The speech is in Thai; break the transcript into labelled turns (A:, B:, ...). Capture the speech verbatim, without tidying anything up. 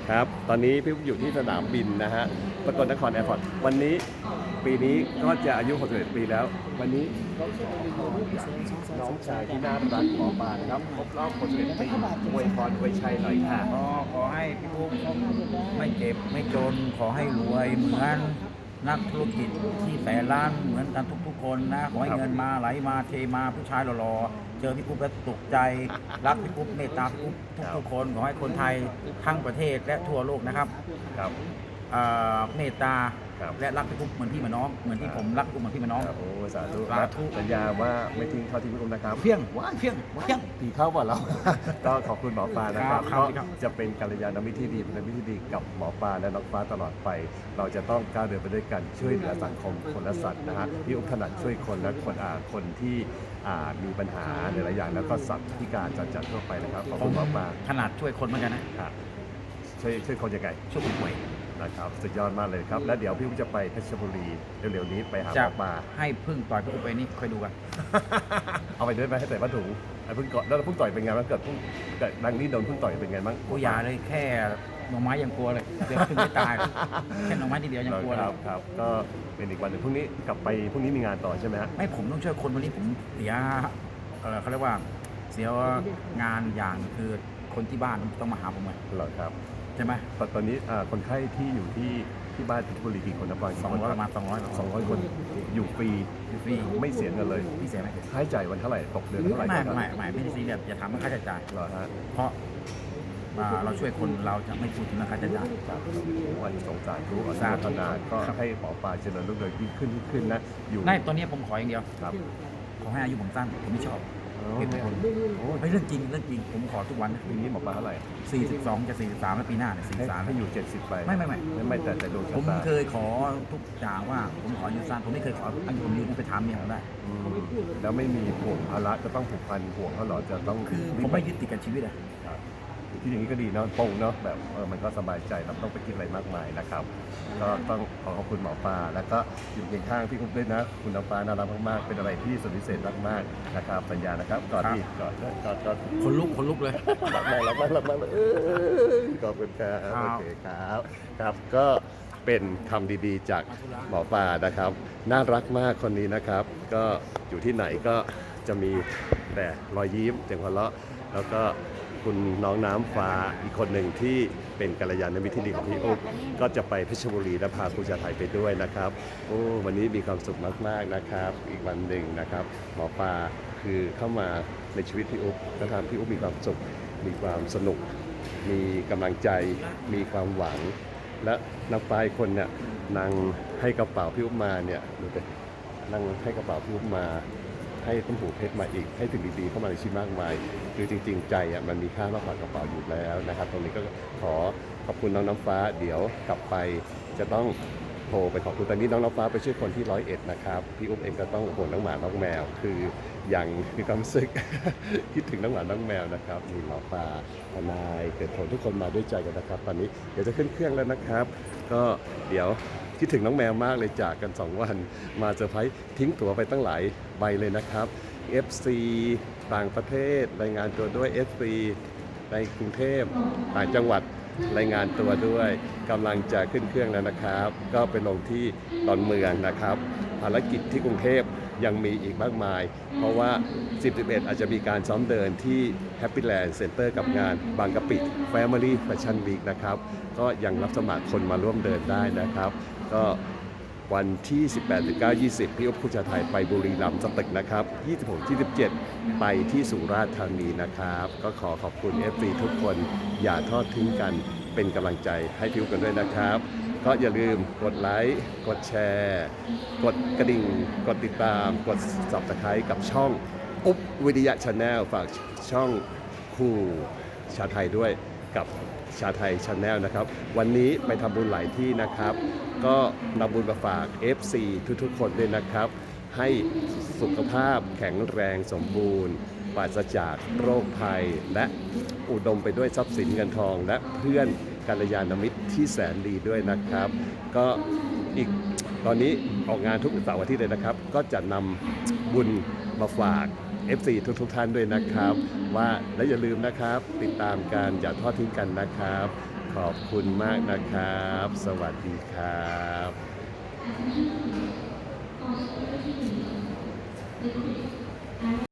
A: ครับตอนนี้พี่อุ๊บอยู่ที่สนามบินนะฮะสกลนครแอร์พอร์ตวันนี้ปีนี้ก็จะอายุหกสิบเอ็ดปีแล้ว วันนี้ก็ขอพรจากน้องชายที่น่ารักหมอปลานะครับครบรอบหกสิบเอ็ดปีอวยพรอวยชัยหน่อยค่ะ
B: ก็ขอให้พี่ปุ๊กไม่เจ็บไม่จนขอให้รวยเหมือนนักธุรกิจที่แสนล้านเหมือนกันทุกๆคนนะขอให้เงินมาไหลมาเทมาผู้ชายหล่อๆเจอพี่ปุ๊กแล้วตกใจรักพี่ปุ๊กเมตตาพี่ปุ๊กทุกๆคนขอให้คนไทยทั้งประเทศและทั่วโลกนะครับ
A: ครับ
B: เอ่อเมตตา
A: ครับ
B: และรักพี่ปุ๊กเหมือนพี่เหมือนน้องเหมือนที่ผมรักพี่ปุ๊กเหมือนพี่เหมือนน้อง
A: ครับโอ้สาธุ
B: สาธุ
A: สัญญาว่าไม่ทิ้งเข้าทิ้งพี่อุ๊บนะครับ
B: เพียงว้ายเพียงเพียง
A: ผีเข้าบ่าเรา ก็ขอบคุณหมอปลานะครับ
B: ครับ
A: ก็
B: ครับ
A: จะเป็นกัลยาณมิตรที่ดีเป็นมิตรที่ดีกับหมอปลาและน้องฟ้าตลอดไป เราจะต้องก้าวเดินไปด้วยกันช่วยเหลือสังคมคนและสัตว์นะฮะพี่อุ๊บถนัดช่วยคนและคนอ่าคนที่อ่ามีปัญหาหลายๆอย่างแล้วก็สัตว์พิการจรจัดทั่วไปนะครับขอบคุณหมอปลา
B: ขนาดช่วยคนเหมือนกันนะ
A: ครับช่วยช่วยคนยังไง
B: ช่วยคนป่วย
A: นะครับสุดยอดมากเลยครับแล้วเดี๋ยวพี่อุ๊บจะไปเพชรบุรีเร็วๆนี้ไปหาห
B: จะ
A: มอปลา
B: ให้พึ่งต่อยพี่ปุ๊กไปนี่คอยดูกัน
A: เอาไปด้วยไหมให้ใส่ผ้าถุงไอ้เพิ่งก่อนแล้วเพิ่งต่อยเป็นไงบ้างเกิดเพิ่งเกิดดังนี้โดนเพิ่งต่อยเป็นไงบ้าง
B: กูอย่าเลยแค่หน่อไม้ยังกลัวเลยเดี๋ยวถึงไม่ตายเลยแค่หน่อไม้ทีเดียวยังกลัว
A: ค
B: เล
A: รั
B: ย
A: บครับก็เป็นอีกวันหนึ่งพรุ่งนี้กลับไปพรุ่งนี้มีงานต่อใช่ไหมฮะ
B: ไม่ผมต้องช่วยคนวันนี้ผมเสียเออเขาเรียกว่าเสียงานอย่างคือคนที่บ้านต้องมาหาผมไง
A: เหรอครับ
B: ใช่ไหม
A: ตอนตอนนี้อ่าคนไข้ที่อยู่ที่ที่บ้านเพชรบุรีกี่คนนะบาง
B: สองร้อยประมาณสองร้อย
A: สองร้อยคนอยู่ฟรี
B: ฟรี
A: ไม่เสียเงินเลย
B: พี่เสียไหม
A: ค่าใช้จ่ายวันเท่าไหร่ตกเดือนเท่าไหร่
B: ไม่
A: ครับ
B: ไม่ไม่ไม่ได้ซีเรียสอย่าถามว่าค่าใช้จ่าย
A: เหรอฮะ
B: เพราะอ่าเราช่วยคนเราจะไม่พูดถึงเรื่องค่าใช้จ่าย
A: ครับวันสงสารทุกอนุ
B: สา
A: โม
B: ธุ
A: ทนาก็
B: ครับ
A: ให้หมอปลาเจริญรุ่งเรืองยิ่งขึ้นยิ่งขึ้นนะอยู่
B: ไม่ตอนนี้ผมขออย่างเดียว
A: ครับ
B: ขอให้อายุผมสั้นผมไม่ชอบ
A: อ๋อ
B: เหตุผล
A: โอ้
B: ไม่เรื่องจริงเรื่องจริงผมขอทุกวันนะ
A: ปีนี้หมอปลาเท่าไหร่
B: สี่สิบสองจะสี่สิบสามแล้วปีหน้าเนี่ย
A: ให้
B: สี่สิบสาม
A: ให้อยู่เจ็ดสิบไป
B: ไม่ไม่ไม่
A: ไม่ไม่แต่แต่ดวง
B: ผ
A: ชะ
B: ม
A: ตา
B: เคยขอทุกอย่างว่าผมขออายุสั้นผมไม่เคยขออายุผมยืนไปถามเมียผมได้
A: อืมแล้วไม่มีห่วงภาระจะต้องผูกพันห่วงเขาเหรอจะต้อง
B: คือผมไม่ยึดติดกับชีวิตอะ
A: ครับที่อย่างนี้ก็ดีเนาะโปร่งเนาะแบบเออมันก็สบายใจเราไม่ต้องไปคิดอะไรมากมายนะครับ ก็ต้องขอขอบคุณหมอปลาแล้วก็อยู่เคียงข้างพี่อุ๊บด้วยนะ คุณน้ำฟ้าน่ารักมากๆเป็นอะไรที่สุดพิเศษมากๆนะครับสัญญานะครับก่อนที่ก่อนก่อนก่อน
B: คนลุกคนลุกเลย
A: รักมากรักมากรักมากเลยเออขอบคุณครับ
B: ครับ
A: โอเคครับครับก็เป็นคำดีๆจากหมอปลานะครับ น่ารักมากคนนี้นะครับ ก็อยู่ที่ไหนก็จะมีแต่รอยยิ้มเสียงหัวเราะแล้วก็คุณน้องน้ำฟ้าอีกคนหนึ่งที่เป็นกัลยาณมิตรที่ดีของพี่อุ๊บก็จะไปเพชรบุรีและพาครูชาไทยไปด้วยนะครับโอ้วันนี้มีความสุขมากๆนะครับ อีกวันหนึ่งนะครับ หมอปลาคือเข้ามาในชีวิตพี่อุ๊บแล้วทำให้พี่อุ๊บมีความสุข มีความสนุก มีกำลังใจ มีความหวัง และนักปลายคนเนี่ยนางให้กระเป๋าพี่อุ๊บมาเนี่ยดูไปนั่งให้กระเป๋าพี่อุ๊บมา ให้ต้นหูเพชรมาอีก ให้สิ่งดีๆเข้ามาในชีวิตมากมาย คือจริงๆใจอ่ะมันมีค่ามากกว่ากระเป๋าอยู่แล้วนะครับ ตรงนี้ก็ขอขอบคุณน้องน้ำฟ้า เดี๋ยวกลับไปจะต้องโทรไปขอบคุณตอนนี้น้องน้ำฟ้าไปช่วยคนที่ร้อยเอ็ดนะครับ พี่อุ๊บเองก็ต้องห่วงน้องหมาน้องแมว คืออย่างมีความรู้สึก คิดถึงน้องหมาน้องแมวนะครับมีหมอปลาทนายเกิดผลทุกคนมาด้วยใจกันนะครับ ตอนนี้เดี๋ยวจะขึ้นเครื่องแล้วนะครับ ก็เดี๋ยวคิดถึงน้องแมวมากเลยจากกันสองวันมาเซอร์ไพรส์ทิ้งตั๋วไปตั้งหลายใบเลยนะครับ เอฟ ซี ต่างประเทศรายงานตัวด้วย เอฟ ซี ในกรุงเทพต่างจังหวัดรายงานตัวด้วยกำลังจะขึ้นเครื่องแล้วนะครับ ก็ไปลงที่ดอนเมืองนะครับภารกิจที่กรุงเทพยังมีอีกมากมาย เพราะว่า สิบ สิบเอ็ด อาจจะมีการซ้อมเดินที่ Happy Land Center กับงานบางกะปิ Family Fashion Week นะครับก็ยังรับสมัครคนมาร่วมเดินได้นะครับ ก็วันที่ สิบแปด สิบเก้า ยี่สิบ พี่อุ๊บครูชาไทยไปบุรีรัมย์สตึกนะครับ ยี่สิบหก ยี่สิบเจ็ด ไปที่สุราษฎร์ธานีนะครับ ก็ขอขอบคุณ เอฟ ซี ทุกคนอย่าทอดทิ้งกันเป็นกำลังใจให้พี่อุ๊บกันด้วยนะครับ ก็อย่าลืมกดไลค์กดแชร์ กดกระดิ่ง กดติดตาม กด Subscribe กับช่องอุ๊บวิทยาชาแนลฝากช่องครูชาไทยด้วยกับชาไทยชาแนลนะครับ วันนี้ไปทำบุญหลายที่นะครับ ก็นำบุญมาฝาก เอฟ ซี ทุกๆคนด้วยนะครับ ให้สุขภาพแข็งแรงสมบูรณ์ปราศจากโรคภัย และอุดมไปด้วยทรัพย์สินเงินทอง และเพื่อนกัลยาณมิตรที่แสนดีด้วยนะครับ ก็อีกตอนนี้ออกงานทุกเสาร์อาทิตย์เลยนะครับ ก็จะนำบุญมาฝาก เอฟ ซี ทุกๆท่านด้วยนะครับ ว่าและอย่าลืมนะครับติดตามการอย่าทอดทิ้งกันนะครับ ขขอบคุณมากนะครับ สวัสดีครับ